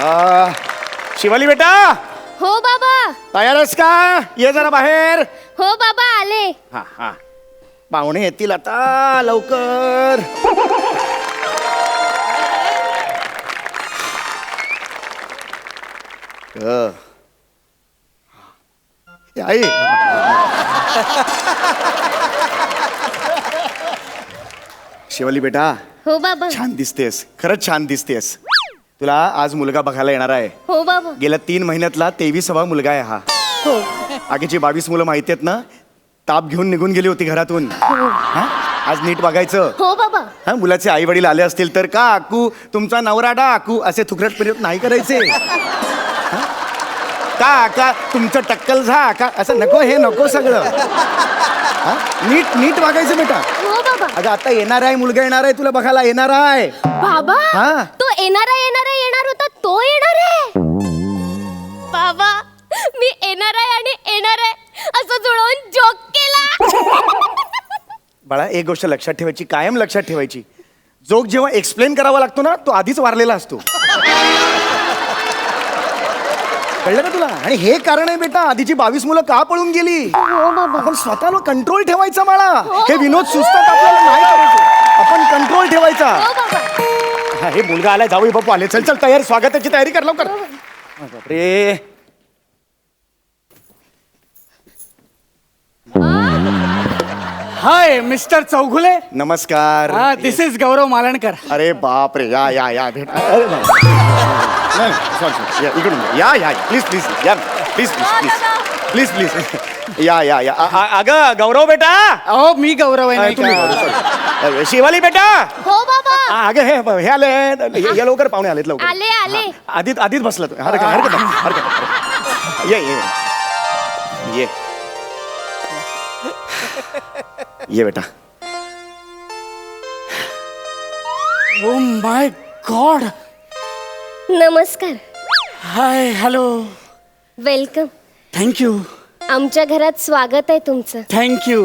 शिवाली बेटा, हो बाबा. तयार आहेस का? ये जरा बाहेर. हो बाबा आले. हा हा, पाहुणे येतील आता लवकर. आई शिवाली बेटा, हो बाबा. छान दिसतेस, खरंच छान दिसतेस. तुला आज मुलगा बघायला येणार आहे. हो बाबा. गेल्या 3 महिन्यातला 23वा मुलगा आहे हा. हो. आगीची 22 मुलं माहिती आहेत ना, ताप घेऊन निघून गेली होती घरातून. हा? आज नीट बघायचं. हो बाबा. हा, मुलाचे आई वडील आले असतील तर का आकू तुमचा नवरा डा आकू असे थुकरट प्रयोग नाही करायचे. हा? का का तुमचं टक्कल झा का असं नको, हे नको सगळं. हा? नीट नीट वागायचं बेटा. हो बाबा. अगं आता येणार आहे, मुलगा येणार आहे, तुला बघायला येणार आहे. बाबा, हा. तो येणार होता, तो येणार आहे. बाबा, मी येणार आहे असं जुळवून जोक केला. बाळा, एक गोष्ट लक्षात ठेवायची, कायम लक्षात ठेवायची. जोक जेव्हा एक्सप्लेन करावा लागतो ना, तो आधीच वारलेला असतो. कळलं का तुला? आणि हे कारण आहे बेटा, आधीची 22 मुलं का पळून गेली. हो बाबा. आपण स्वतःला कंट्रोल ठेवायचा बाळा. हे विनोद सुचतात आपल्याला, नाही करायचे. आपण कंट्रोल ठेवायचा. हो बाबा. हा, हे मुलगा आलाय, जावई बापू आले. चल चल तयार, स्वागताची तयारी कर लवकर. बापरे. Hi mister Chougule. नमस्कार. This is Gaurav Malankar. अरे बाप रे, या या या भेट. अरे नाही. नाही, sorry, sorry. या, इकडून या या प्लीज प्लीज या please please please please please या या या. अगं गौरव बेटा. अहो मी गौरव आहे नाही तुम्ही का? गौरव, sorry. शिवाली बेटा. हो बाबा. अगं हे आले, या लवकर, पाहुणे आलेत लवकर. आले. आधीच आधीच बसला तू. हरकत नाही. ये ये बेटा. Oh my god. नमस्कार. Hi hello. वेलकम. थँक्यू आमच्या घरात स्वागत आहे तुमचं. थँक्यू.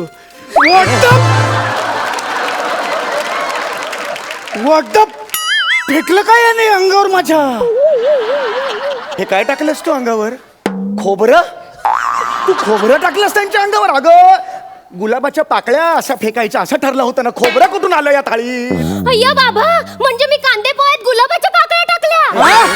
व्हॉट फेकलं काय याने अंगावर माझ्या? हे काय टाकलंस तू अंगावर? खोबरं? तू खोबरं टाकलंस त्यांच्या अंगावर? अगं गुलाबाच्या पाकळ्या अशा फेकायच्या असं ठरलं होतं ना. खोबरं कुठून आलं या थाळी? अय्या बाबा, म्हणजे मी कांदे पोह्यात गुलाबाच्या पाकळ्या टाकल्या.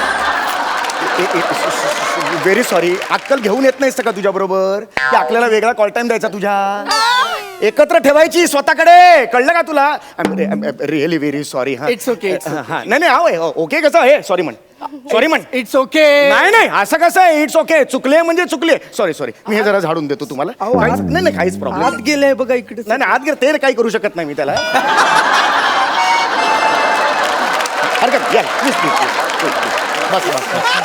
Very sorry. अक्कल घेऊन येत नाहीस का तुझ्या बरोबर? की आपल्याला वेगळा कॉल टाइम द्यायचा तुझ्या? एकत्र ठेवायची स्वतःकडे, कळलं का तुला? Really very sorry. हा, It's okay, it's हा, नाही ओके कसं आहे? सॉरी म्हण. सॉरी म्हण. It's okay. नाही असं कसं आहे? It's okay. चुकले म्हणजे चुकले. सॉरी. मी हे जरा झाडून देतो तुम्हाला. नाही काहीच प्रॉब्लेम आत गेले बघा इकडे. नाही आत गेलं ते काही करू शकत नाही मी त्याला. हरकत या प्लीज बस.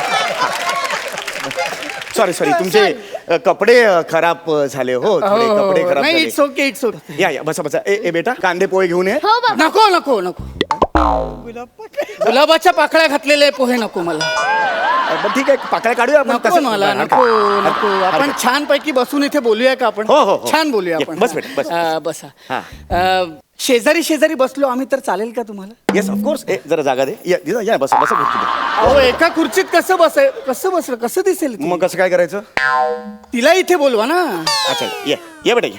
सॉरी तुमचे कपडे खराब झाले. हो थोडे कपडे खराब नाही झाले. It's okay. या बसा. ए बेटा, कांदे पोहे घेऊन ये. हो बाबा. नको. गुलाबाच्या पाकळ्या घातलेले पोहे नको मला. बरं, ठीक आहे, पाकळ्या काढूया आपण. नको मला. नको. आपण छान पैकी बसून इथे बोलूया का आपण? हो. छान बोलूया ये, आपण. बस बेटा, बस. बसा. हा. शेजारी बसलो आम्ही तर चालेल का तुम्हाला? Yes of course. जरा जागा दे. या बस खुर्ची दे. अहो एका खुर्चीत कसं बसलं कसं दिसेल ते? मग कसं काय करायचं? तिला इथे बोलवा ना. अच्छा ये बेटा,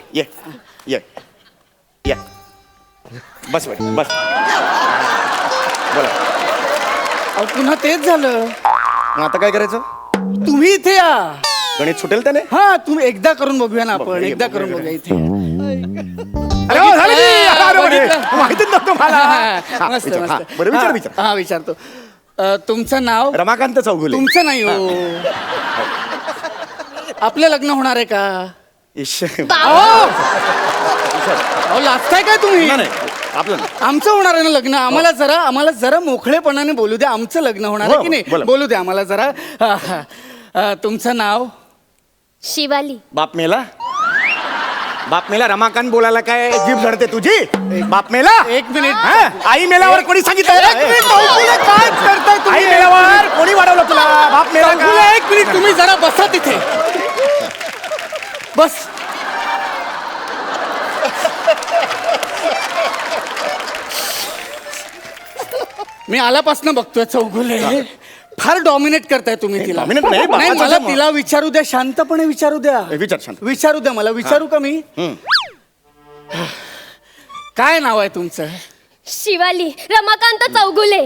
ये बस बेटा बस. बोला. अहो पुन्हा तेच झालं. मग आता काय करायचं? तुम्ही इथे या. गणित सुटेल त्याने. हा तुम्ही एकदा करून बघूया ना आपण. बघूया, एकदा बघूया, करून बघूया इथे. अरे हो, झालं की. अरे, बघितलं. माहितीच नव्हतं मला. हा, मस्त विचार. मस्त. हा, बरं विचार. हा विचारतो. तुमचं नाव? रमाकांत चौगुले. तुमचं नाही हो. आपलं लग्न होणार आहे का? अहो लाजताय काय तुम्ही? नाही आपलं नाही. आमचं होणार आहे ना लग्न. आम्हाला जरा मोकळेपणाने बोलू द्या. आमचं लग्न होणार आहे की नाही? बोला. बोलू द्या आम्हाला जरा. तुमचं नाव? शिवाली. बाप मेला रमाकांत बोलायला काय जीभ झडते तुझी? बाप मेला. एक मिनिट. हा? आई मेल्यावर कोणी सांगितलं? एक मिनिट चौगुले, काय करताय आई तुम्ही? मेल्यावर कोणी वाढवलं तुला? बाप मेला का? चौगुले, एक मिनिट तुम्ही जरा बसा तिथे. बस. मी आल्यापासून बघतोय चौगुले, फार डॉमिनेट करताय तुम्ही तिला. dominate नाही, नाही, बापाचं मला मग. तिला विचारू द्या, शांतपणे विचारू द्या. विचार शांत. विचारू द्या मला. विचारू का मी? काय नाव आहे तुमचं? शिवाली रमाकांत चौगुले.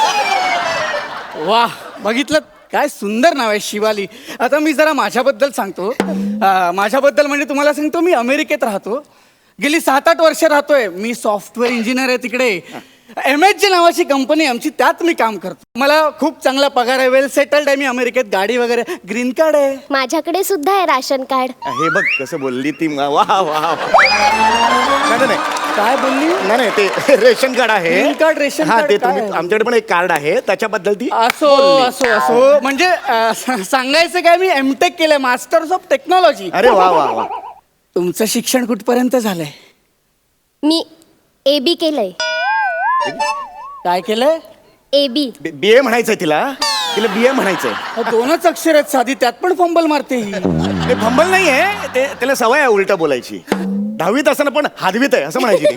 वा, बघितलं काय सुंदर नाव आहे, शिवाली. आता मी जरा माझ्याबद्दल सांगतो. माझ्याबद्दल म्हणजे तुम्हाला सांगतो, मी अमेरिकेत राहतो. गेली 7-8 वर्ष राहतोय. मी सॉफ्टवेअर इंजिनियर आहे तिकडे. MHG नावाची कंपनी आमची, त्यात मी काम करतो. मला खूप चांगला पगार आहे, वेल सेटल्ड आहे मी अमेरिकेत. गाडी वगैरे, ग्रीन कार्ड आहे. माझ्याकडे सुद्धा आहे राशन कार्ड. हे बघ कसं बोलली ती. वा वा. नाही नाही काय बोलली? नाही ते रेशन कार्ड आहे. ग्रीन कार्ड, रेशन हा कार्ड ते काय तुम्ही आहे? आमच्याकडे पण एक कार्ड आहे त्याच्याबद्दल ती असो असो असो. म्हणजे सांगायचं काय, मी एमटेक केलंय, मास्टर्स ऑफ टेक्नॉलॉजी. अरे वा वा वा. तुमचं शिक्षण कुठपर्यंत झालंय? मी AB केलंय. काय केलंय? AB. BA म्हणायचंय तिला BA म्हणायचंय. 2च अक्षर आहेत साधी, त्यात पण फंबल मारते ही. ते फंबल नाहीये, ते त्याला सवय आहे उलट बोलायची. 10वीत असताना पण हादवीत आहे असं म्हणायची ती.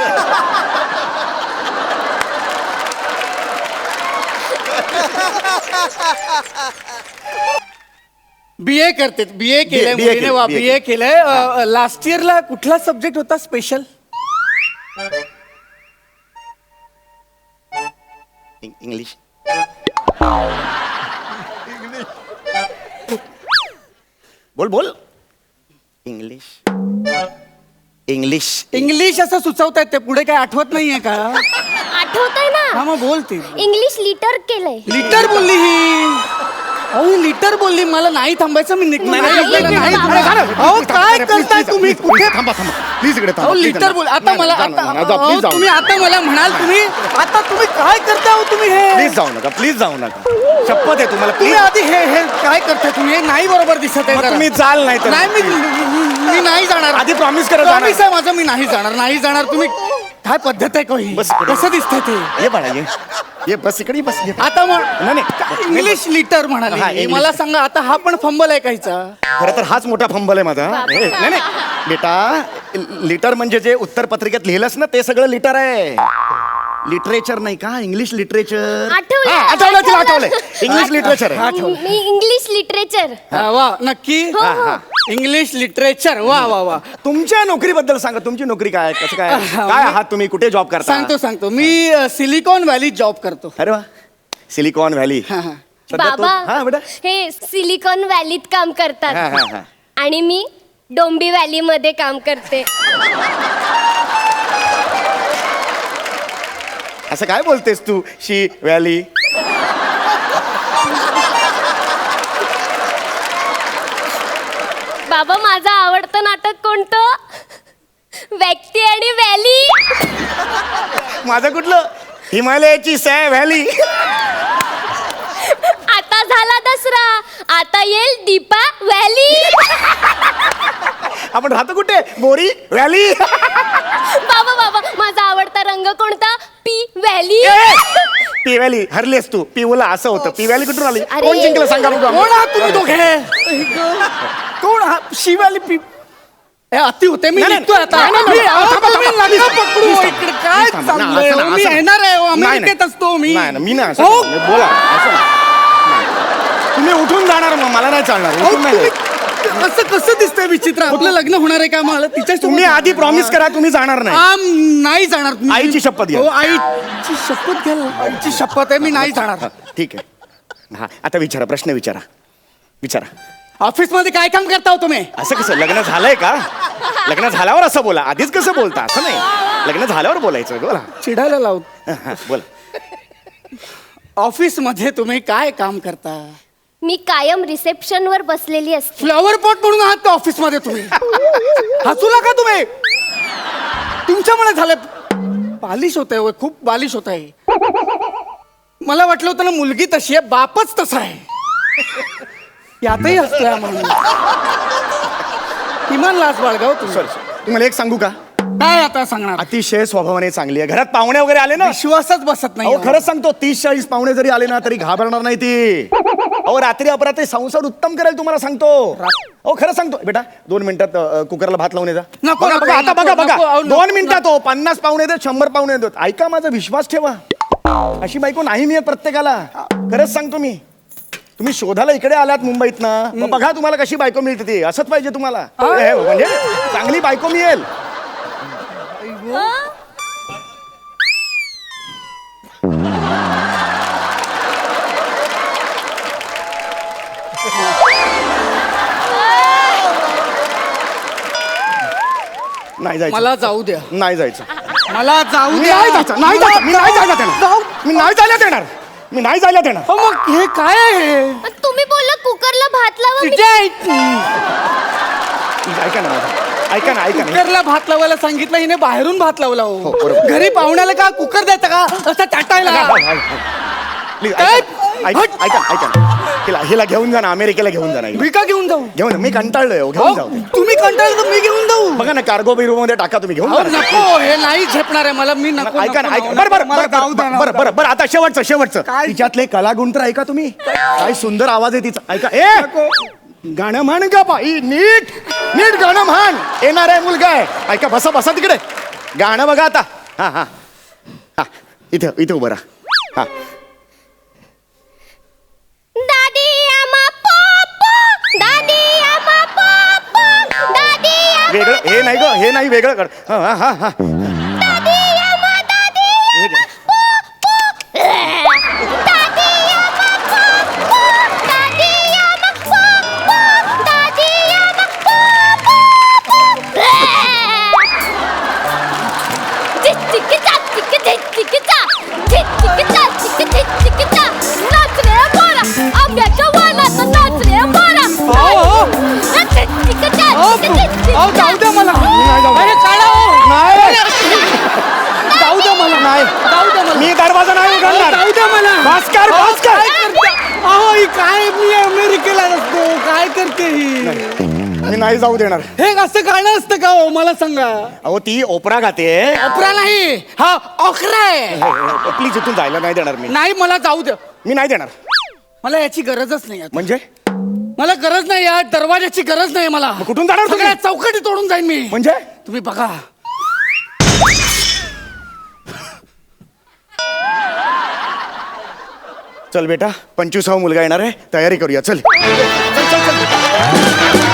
BA करते. BA केलंय BA मुलीने. वा, केलंय, BA केलंय. लास्ट इयरला कुठला सब्जेक्ट होता स्पेशल? इंग्लिश. बोल बोल. इंग्लिश. इंग्लिश. इंग्लिश असं सुचवतायत ते, पुढे काय आठवत नाहीये का? आठवतंय हा ना. मग बोलते. इंग्लिश लिटर केलंय. लिटर बोलली ही. अहो ही लिटर बोलली. मला नाही थांबायचं, मी निघतो. नाही, नाही, नाही, आपल्याला नाही, नाही नाही, थांबायचं. नाही, अहो please, काय please, करताय please, तुम्ही? please, कुठे थांबा प्लीज इकडे अहो लिटर बोल. आता मला तुम्ही आता तुम्ही काय करताय हो तुम्ही हे? प्लीज जाऊ नका. शपथ आहे तुम्हाला तुम्ही प्लीज. आधी हे काय करताय तुम्ही? हे नाही बरोबर दिसत आहे मग जरा. तुम्ही जाल नाही तर. नाही मी नाही जाणार. आधी promise करा जाणार. Promise आहे माझं, मी नाही जाणार. तुम्ही काय पद्धत आहे का ही? बस इकडे. कसं दिसतंय ते? ये बाळा ये बस इकडे बस ये. आता मग नाही. इंग्लिश लिटर हा, म्हणाले. English. मला सांगा, आता हा पण फंबल आहे काहीचा? खरं तर हाच मोठा फंबल आहे माझा. नाही बेटा, लिटर म्हणजे जे उत्तर पत्रिकेत लिहिलंस ना ते सगळं लिटर आहे. लिटरेचर नाही का? English literature. आठवलं तिला आठवलंय. इंग्लिश लिटरेचर आहे. मी इंग्लिश लिटरेचर. वा, नक्की. हा. English literature. वा. तुमच्या नोकरीबद्दल सांगा. तुमची नोकरी काय? कसं काय आहात तुम्ही? कुठे जॉब करता? सांगतो. मी सिलिकॉन व्हॅलीत जॉब करतो. अरे वा. Silicon Valley. हा. सध्या तो- हा बाबा बेटा. हे सिलिकॉन व्हॅलीत काम हा, करतात हा. आणि मी डोंबी व्हॅली मध्ये काम करते. असं काय बोलतेस तू? शी व्हॅली. बाबा माझं आवडतं नाटक कोणतं? व्यक्ती आणि व्हॅली. माझं कुठलं? हिमालयाची सॅ व्हॅली. आता झाला दसरा, आता येईल दीपा व्हॅली. आपण राहतो कुठे? बोरी व्हॅली. बाबा माझा आवडता रंग कोणता? P valley. पी व्हॅली हरलीस तू. पिवला असं होतं. पी व्हॅली कुठून आली? अरे. कोण जिंकलं सांगा बघू. कोण आहात तुम्ही दोघे? कोण शिवाली पी? हे अति होते. मी नाही, निघतोय आता. नाही, नाही, नाही, अहो, थांबा, तुम्ही थांबा, नका please, पकडू. please, इकडे please, काय थांबा. ना, चाललंय? असं ना, मी असं ना. येणार आहे. नाही, अमेरिकेत असतो मी. नाही मी नाही असं हो. नाही. बोला असं नाही. तुम्ही उठून जाणार मग मला नाही चालणार. अहो, उठून नाही. तुम्ही असं कसं दिसतंय विचित्र? आपलं लग्न होणार आहे का? मला तिच्या तुम्ही आधी प्रॉमिस करा तुम्ही जाणार नाही. नाही जाणार. आईची शपथ घ्या. हो, आईची शपथ घ्या. आईची शपथ आहे, मी नाही जाणार. ठीक आहे. हा आता विचारा. प्रश्न विचारा. ऑफिस मध्ये काय काम करता हो तुम्ही? असं कसं? लग्न झालंय का? लग्न झाल्यावर असं बोला. आधीच कसं बोलता? असं नाही. लग्न झाल्यावर बोलायचं. बोला. चिडायला लावू. बोला. ऑफिस मध्ये तुम्ही काय काम करता? मी कायम रिसेप्शन वर बसलेली असते. फ्लॉवर पॉट म्हणून आहात का ऑफिस मध्ये तुम्ही? हसू नका तुम्ही. तुमच्यामुळे झालं. बालिश होत आहे, खूप बालिश होत आहे. मला वाटलं होतं ना मुलगी तशी आहे, बापच तसा आहे. यातही हसतोय म्हणून. किमान लाज बाळगाव तुम्ही. सॉरी तुम्हाला एक सांगू का? काय आता सांगणार? अतिशय स्वभावाने चांगली आहे. घरात पाहुणे वगैरे आले ना, विश्वासच बसत नाही. अहो खरंच सांगतो 30-40 पाहुणे जरी आले ना तरी घाबरणार नाही ती. अहो रात्री अपरात्री संसार उत्तम करेल तुम्हाला सांगतो. अहो खरं सांगतो बेटा. 2 मिनिटात कुकरला भात लावून येजा. नको, नको, आता नको, बघा नको, अहो, 2 मिनिटात हो 50 पाहुणे येतात 100 पाहुणे येतात. ऐका माझा विश्वास ठेवा. अशी बायको नाही मिळत प्रत्येकाला. खरंच सांगतो मी. तुम्ही शोधायला इकडे आलात मुंबईत ना मग बघा तुम्हाला कशी बायको मिळते ती असंच पाहिजे तुम्हाला हे, म्हणजे चांगली बायको मिळेल. नाही जायचं मला जाऊ द्या, नाही जायचं मला जाऊ मी द्या. नाही जायचं नाही जायचं मी नाही जायला देणार जाऊ. मी नाही जायला देणार मी नाही जायला देणार अहो, मग हे काय आहे तुम्ही बोलला कुकरला भात लावा मी- ऐका ना माझं. ऐका ना ऐका ना कुकरला भात लावायला सांगितलं, हिने बाहेरून भात लावला हो, हो. बरोबर. घरी पाहुण्याला का कुकर द्यायचा का असं टाटायला? प्लीज काय? ऐका ऐका ऐका ना. हिला घेऊन जा ना अमेरिकेला घेऊन जा ना हिला. मी का घेऊन जाऊ? घेऊन जा. मी कंटाळलोय हो, घेऊन जाऊ अहो, तुम्ही कंटाळले तर मी घेऊन जाऊ. बघा ना कार्गो बिरो मध्ये टाका तुम्ही घेऊन अहो, जा ना. नको, हे नाही झेपणार आहे मला. मी नको ऐका ना नको, ऐका नको, बरं बरं मला बरं जाऊ द्या ना. बरं बरं बरं आता शेवटचं काय? तिच्यातले कलागुण तर ऐका तुम्ही काय सुंदर आवाज आहे तिचा ऐका गाणं म्हण ग बाई नीट नीट गाणं म्हण येणार आहे मुलगा आहे ऐका बसा बसा तिकडे गाणं बघा आता हा हा हा इथे इथे उभं राहा हा दादी आमा पप्पा दादी आमा पप्पा दादी आमा वेगळं हे नाही ग हे नाही वेगळं कर हा हा हा हा दादी आमा दादी हे घे. दादी आमा पप्पा दादी आमा पप्पा दादी आमा पप्पा चिचिकिचा चिचिकिचा चिचिकिचा चिचिकिचा नाच रे बोला आंब्याच्या वालात नाच रे बोला चिचिकिचा अहो, जाऊ द्या मला. नाही जाऊ. अरे, काढा हो. नाही जाऊ द्या मला. नाही जाऊ द्या मला. मी दरवाजा नाही अहो, उघडणार जाऊ द्या मला. भास्कर, अहो, भास्कर. काय करते? अहो, ही काय मी अमेरिकेला असतो काय करते ही? मी नाही जाऊ देणार हे असं गाणं असतं का हो मला सांगा. अहो ती ओपरा गाते अकरा नाही, हा अकरा आहे. प्लीज इथून जायला नाही देणार मी नाही, मला जाऊ द्या. मी नाही देणार मला याची गरजच नाही आता. म्हणजे मला गरज नाही या दरवाजाची गरज नाही मला. कुठून जाणार तुम्ही? सगळ्या चौकटी तोडून जाईन मी. म्हणजे तुम्ही बघा. चल बेटा 25वा मुलगा येणार आहे तयारी करूया चल चल चल चल